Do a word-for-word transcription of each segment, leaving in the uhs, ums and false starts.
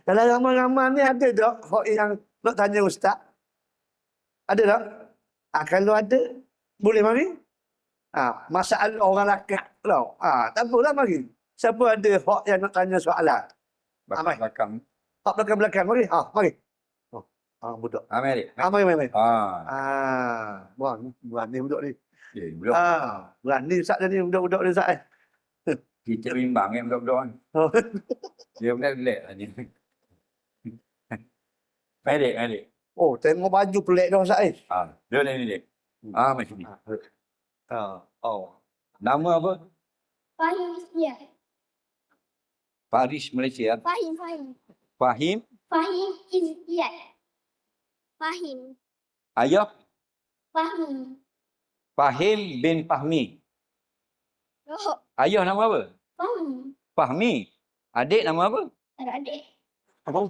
Dalam ramai-ramai ni ada tak hak yang nak tanya ustaz? Ada tak? Ah, kalau ada, boleh mari. Ah, masalah orang lakak tau. Ah, tak apalah mari. Siapa ada hak yang nak tanya soalan? Ah, mari. Belakang. Hak belakang-belakang mari. Ah, mari. Oh, ah budak. Ah, mari. Ah, mari, mari, mari. Ah. Ah, wah, berani budak ni. Ya, budak. Ah, berani ustaz tadi budak-budak ni ustaz. Eh. Kita bimbang kan budak-budak kan. Oh. Dia benar-benar lah ni. Mari, mari. Oh, tengok baju pelik dah ustaz eh. Ah, dia ni ni. Ah, macam ni. Ah, oh. Nama apa? Fahim, ya. Paris Malaysia. Fahim, Fahim. Fahim. Fahim Izziat. Fahim. Ayah. Fahmi. Fahim bin Fahmi. Oh, Ayah nama apa? Fahmi. Fahmi. Adik nama apa? Adik. Apa?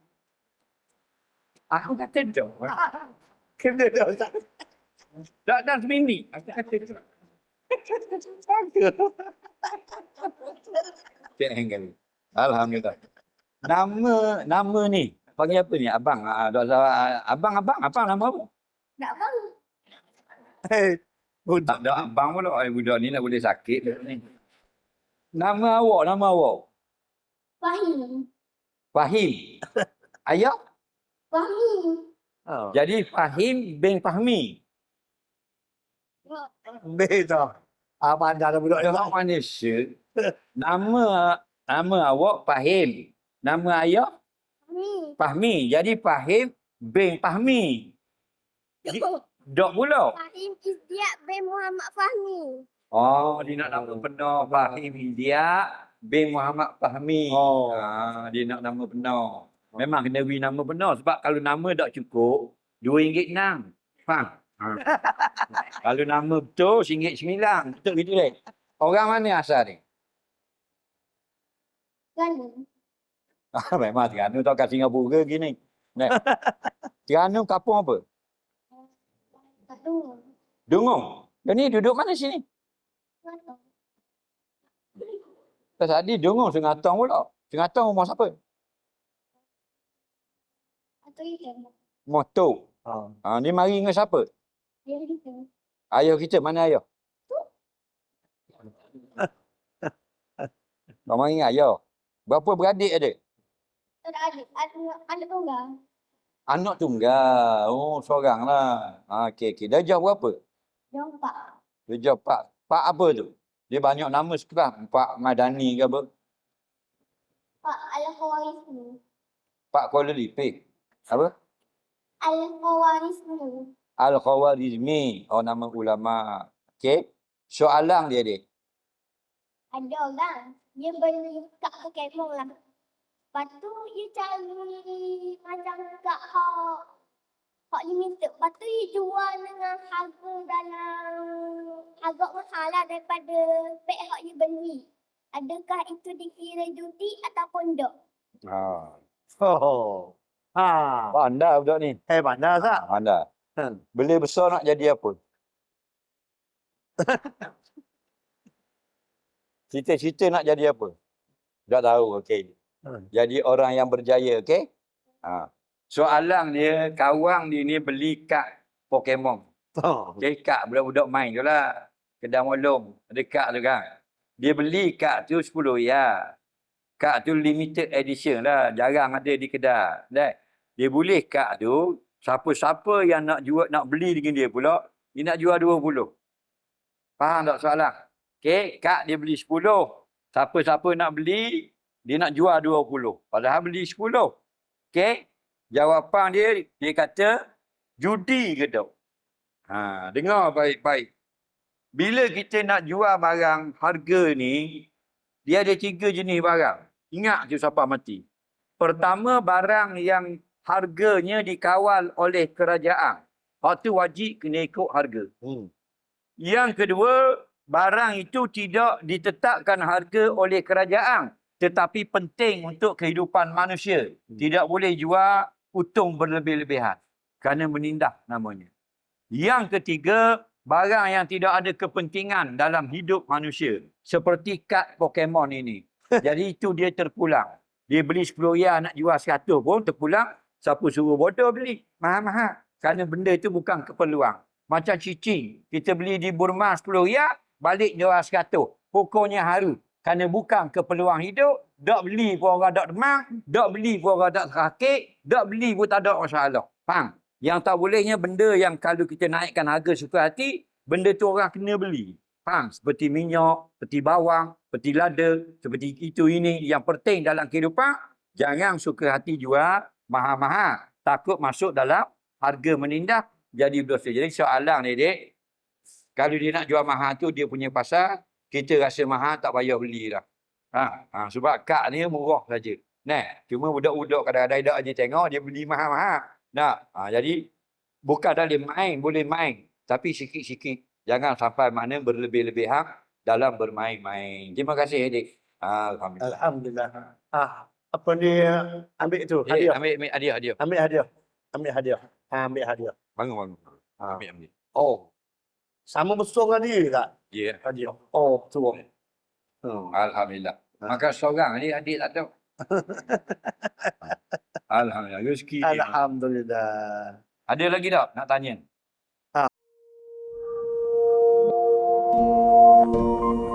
Aku kata tu. Kena dah ustaz. Tak dah semini. Aku kata tu. Tengok. Alhamdulillah. Nama nama ni panggil apa ni? Abang. Ah, abang abang abang nama apa? Tak faham. Hei, budak. Tak ada abang pula. Ay, budak ni nak boleh sakit ni. Nama awak, nama awak. Fahim. Fahim. Ayah? Fahmi. Oh. Jadi Fahim bin Fahmi. Oh, Beza. Ah, pandai dah budak ni. Orang Malaysia. Nama nama awak Fahim. Nama ayah Fahmi. Fahmi. Jadi Fahim bin Fahmi. Dok pula. Fahim Izziat bin Muhammad Fahmi. Oh, dia nak nama penuh Fahim Hidayat bin Muhammad Fahmi. Oh. Ah, dia nak nama penuh. Memang kena beri nama penuh sebab kalau nama tak cukup, dua ringgit enam. Faham? Ha. Kalau nama betul, ringgit sembilan. Betul gitu deh. Orang mana asal ni? Kan? Ah, memang Terengganu tau kat Singapura gini. Nah. Terengganu kampung apa? Satu. Dungung. Dia ni duduk mana sini? Satu. Tak tadi Dungung Sengatong pula. Sengatong rumah siapa? Satu itu. Motor. Oh. Ha, ni mari dengan siapa? Dia itu. Ayah kita, mana ayah? Kau mari dengan ayah. Berapa beradik ada? Tak ada adik. Anak, anak tunggal. Anak tunggal. Oh, seorang lah. Ha, okey, okey. Darjah berapa? Dia empat. Darjah Pak. Pak apa tu? Dia banyak nama sekarang. Pak Madani ke apa? Pak Al-Khawarizmi. Pak Kuala Lumpur. Apa? Al-Khawarizmi. Al-Khawarizmi. Oh, nama ulama. Okey. Soalan dia, dia. Ada orang. Dia beli kat Pokemon lah. Lepas tu dia cari macam kat hak hak limited. Lepas tu dia jual dengan harga dalam harga mahal lah daripada pek hak dia beli. Adakah itu dikira judi ataupun tak? Ha. Oh. Ha. Pandai budak ni. Eh, pandai ustaz. Pandai. Hmm. Bila besar nak jadi apa? Cita-cita nak jadi apa? Dah tahu, okey. Hmm. Jadi orang yang berjaya, okey? Ha. Soalan dia, kawan dia ni beli kad Pokemon. Oh. Okey, kad budak-budak main tu lah. Kedai Molong, ada kad tu kan. Dia beli kad tu sepuluh ya. Kad tu limited edition lah, jarang ada di kedai. Dah. Dia boleh kad tu, siapa-siapa yang nak jual nak beli dengan dia pula, dia nak jual dua puluh. Faham tak soalan? Okey, kad dia beli sepuluh. Siapa-siapa nak beli, dia nak jual dua puluh. Padahal beli sepuluh. Okey? Jawapan dia, dia kata, judi ke tak? Ha, dengar baik-baik. Bila kita nak jual barang harga ni, dia ada tiga jenis barang. Ingat je siapa mati. Pertama, barang yang harganya dikawal oleh kerajaan. Hak tu wajib kena ikut harga. Hmm. Yang kedua, barang itu tidak ditetapkan harga oleh kerajaan, tetapi penting untuk kehidupan manusia. Tidak boleh jual untung berlebih-lebihan kerana menindas namanya. Yang ketiga, barang yang tidak ada kepentingan dalam hidup manusia. Seperti kad Pokemon ini. Jadi itu dia terpulang. Dia beli sepuluh riyal nak jual seratus pun terpulang siapa suruh bodoh beli. Mahal-mahal. Kerana benda itu bukan keperluan. Macam cicing. Kita beli di Burma sepuluh riyal, balik jual seratus. Hukumnya haru. Kerana bukan keperluan hidup. Dok beli pun orang dok demam. Dok beli pun orang dok sakit. Dok beli pun tak ada masalah. Faham? Yang tak bolehnya benda yang kalau kita naikkan harga suka hati, benda tu orang kena beli. Faham? Seperti minyak, seperti bawang, seperti lada, seperti itu ini. Yang penting dalam kehidupan, jangan suka hati jual mahal-mahal. Takut masuk dalam harga menindak, jadi berdosa. Jadi soalan ni, dek, kalau dia nak jual mahal tu, dia punya pasal, kita rasa mahal, tak payah beli dah. Ha, ha, sebab kad ni murah saja. Nah, cuma budak-budak kadang-kadang dak je tengok, dia beli mahal-mahal. Nah, ha, jadi bukan dah boleh main, boleh main. Tapi sikit-sikit. Jangan sampai mana berlebih-lebihan dalam bermain-main. Terima kasih, adik. Alhamdulillah. Alhamdulillah. Ah, apa ni ambil tu? Eh, Hadiah. ambil, ambil hadiah, hadiah. Ambil hadiah. Ambil hadiah. Ah, ambil hadiah. Bangun, bangun. Ah. Ambil, ambil. Oh. Sama besar dengan dia tak? Ya. Yeah. Hadiah. Oh, tu. Hmm. Alhamdulillah. Maka seorang ni adik tak tahu. Alhamdulillah. Rezeki dia. Alhamdulillah. Ada lagi tak nak tanya? Ah.